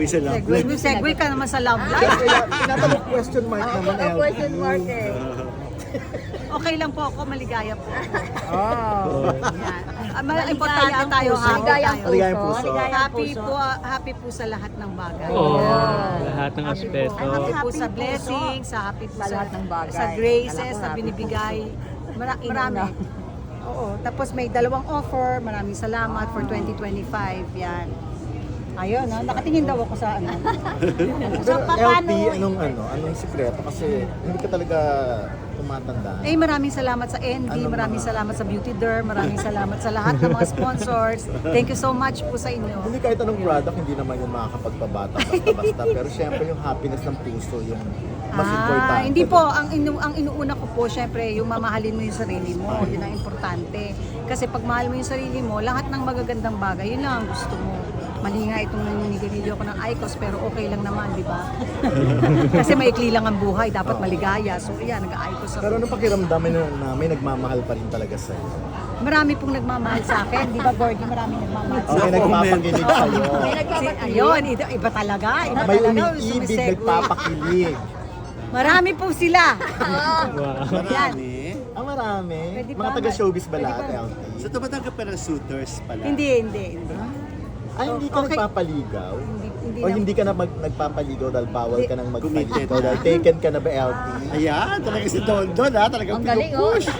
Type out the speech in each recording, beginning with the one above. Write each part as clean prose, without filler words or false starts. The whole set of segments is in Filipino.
Isa lang. Segue ka naman sa love life. Kaya tinatanong question mark naman. Oo, question mark eh. Okay lang po ako, maligaya po. Oh. Yan. Importante tayo, Maligayang happy Maligayang tayo. puso. Happy po sa lahat ng bagay. Lahat ng aspeto. Happy po sa blessings, happy po Sa lahat ng bagay. sa graces Alam ko, na happy binibigay. Marami. Inuna. Oo. Tapos may dalawang offer. Maraming salamat for 2025. Yan. Ayun, no? Nakatingin daw ako sa ano. Pero LT, anong sikreto? Kasi hindi ka talaga tumatanda. Eh, maraming salamat sa ND, Ano maraming mga- salamat sa Beauty Derm, maraming salamat sa lahat ng mga sponsors. Thank you so much po sa inyo. Hindi kahit anong product, hindi naman yung makakapagpabata basta-basta. Pero syempre yung happiness ng puso, yung mas importante. Hindi po, ang inuuna ko po, syempre, yung mamahalin mo yung sarili mo, yun ang importante. Kasi pag mahal mo yung sarili mo, lahat ng magagandang bagay, yun lang ang gusto mo. Mali nga itong naninigarilyo ko ng IQOS, pero okay lang naman, di ba? Kasi maikli lang ang buhay, dapat maligaya. So, yan, nag-IQOS ako. Pero ano pakiramdam na may nagmamahal pa rin talaga sa'yo? Marami pong nagmamahal sa akin, di ba, Gordy? Marami nagmamahal sa Okay, akin. nagpapakilig sa'yo. Ayun, iba talaga. Iba May talaga. umiibig, Sumisegue. nagpapakilig. Marami po sila. Wow. Marami. Marami. Pwede Mga ba? taga-showbiz ba Pwede lahat, ba? LT? So tumatanggap ka ng suitors pala? Hindi. Ay, hindi ka Okay. nagpapaligaw? Hindi O hindi ka na nagpapaligaw dahil bawal ka nang Committed magpaligaw na. dahil taken ka na ba, LT? Ayan, talaga si Don Don ha, talagang Ang galing oh. pinupush.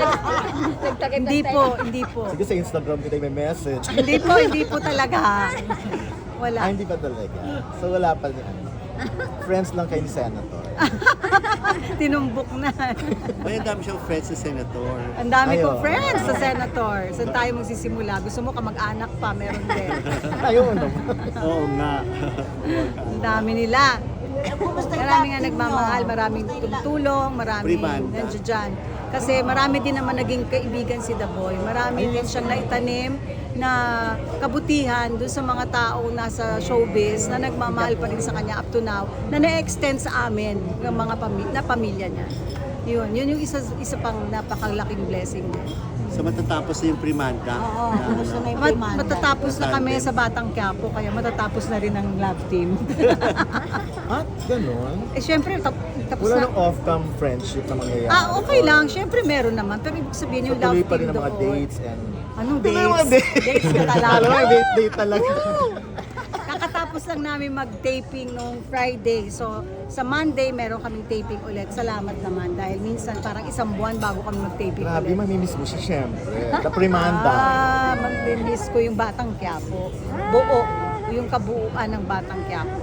Hindi po. Sige, sa Instagram kita may message. Hindi po talaga. Wala. Hindi pa talaga. So wala pa ni ano. Friends lang kayo ni Senator. Tinumbok na. May ang dami siyang friends sa senator. Ang dami Ayo. kong friends sa senator. Saan tayo magsisimula? Gusto mo kamag-anak pa? Meron din. Ayun naman. Oo nga. Ang dami nila. Marami nga nagmamahal, maraming tumutulong, maraming Pribanda. nandiyan dyan. Kasi marami din naman naging kaibigan si The Boy. Marami din siyang naitanim na kabutihan doon sa mga taong nasa showbiz na nagmamahal pa rin sa kanya up to now, na na-extend sa amin ng mga pamilya niya. Yun yung isa pang napakalaking blessing niya. So matatapos na yung primanda. Gusto na yung primanda. Matatapos na kami sa Batang Quiapo, kaya matatapos na rin ang love team. At ganun. Eh syempre, tapos Wala na. nang off-cam friendship na mangyayari. Okay lang, syempre meron naman. Pero ibig sabihin So yung love tuloy pa team rin ang mga doon. dates and... Anong Tuloy ang mga dates? dates. Dates ka talaga. Alam mo, date talaga. Kakatapos lang namin mag-taping nung Friday. So, sa Monday, meron kaming taping ulit. Salamat naman. Dahil minsan, parang isang buwan bago kami mag-taping Grabe, ulit. mamimiss mo siya syempre. The Primanda. Mag-miss ko yung Batang Quiapo. Buo. Yung kabuuan ng Batang Quiapo.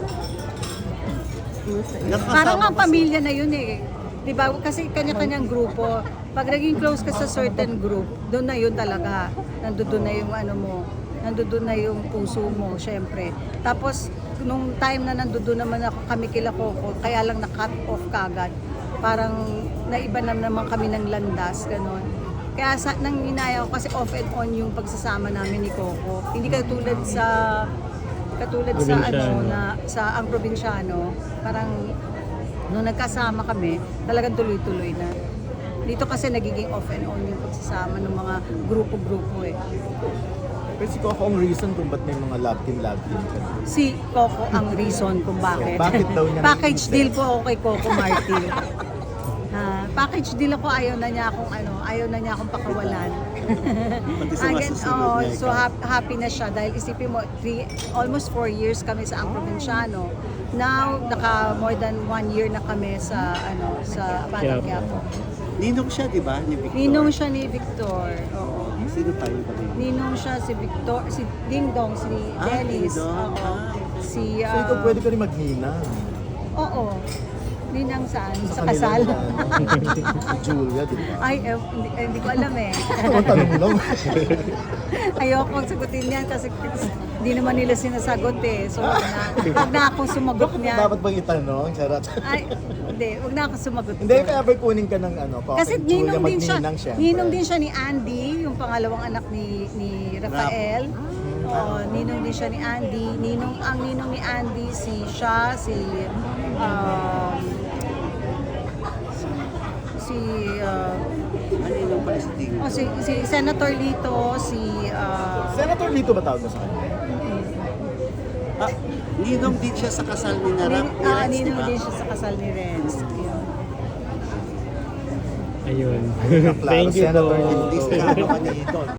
Parang ang pamilya na yun eh. Di ba? Kasi kanya-kanyang grupo. Pag naging close ka sa certain group, doon na yun talaga. Nandoon na yung ano mo. Nandoon na yung puso mo, syempre. Tapos, nung time na nandoon naman ako, kami kila Coco, kaya lang na-cut off kagad. Parang naiba na naman kami ng landas, gano'n. Kaya nang inaya ko kasi off and on yung pagsasama namin ni Coco. Hindi katulad sa Probinsyano. sa ang probinsyano, parang nung nagkasama kami, talagang tuloy-tuloy na. Dito kasi nagiging off and on yung pagsasama ng mga grupo-grupo eh. Pero si Coco ang reason kung ba't may mga love team ka. Si Coco ang reason kung bakit. Bakit daw niya Package naisip? deal po ako kay Coco Martin. Package deal ako, ayaw na niya akong pakawalan. Pati sa mga susunod niya, So ikaw. happy na siya dahil isipin mo, almost 4 years kami sa Ang Provinciano. Now, more than 1 year na kami sa Batang Quiapo. Ninong siya, di ba? Ni Victor. Ninong siya ni Victor. Oo. Sino tayo ba rin? Ninong siya si Victor, si Ding Dong, si Dennis. Ding Dong. Oo. Si So ikaw pwede ka rin magnina. Oo. Ninang saan? Sa kanila kasal. yan. Si Julia, di ba? Ay, hindi ko alam eh. Ang tanong lang. Ayoko sagutin yan kasi hindi naman nila sinasagot eh. So, wag na akong sumagot niyan. Dapat bang itanong? Charot. Ay, hindi. Wag na akong sumagot. Hindi, kaya ba'y kunin ka ng Coco Kasi and Julia, ninong din siya. magninang syempre. Ninong din siya ni Andy, yung pangalawang anak ni Rafael. Oo, ninong din siya ni Andy. Ang ninong ni Andy, si Ninong pala si Ding. si Senator Lito, Senator Lito ba tawag mo sa kanya? Ninong din siya sa kasal ni Renz, di Ninong ba? din siya sa kasal ni Renz. Yun. Ayun. Klaro, Thank you Senator po. Liz, ano ka ni Don?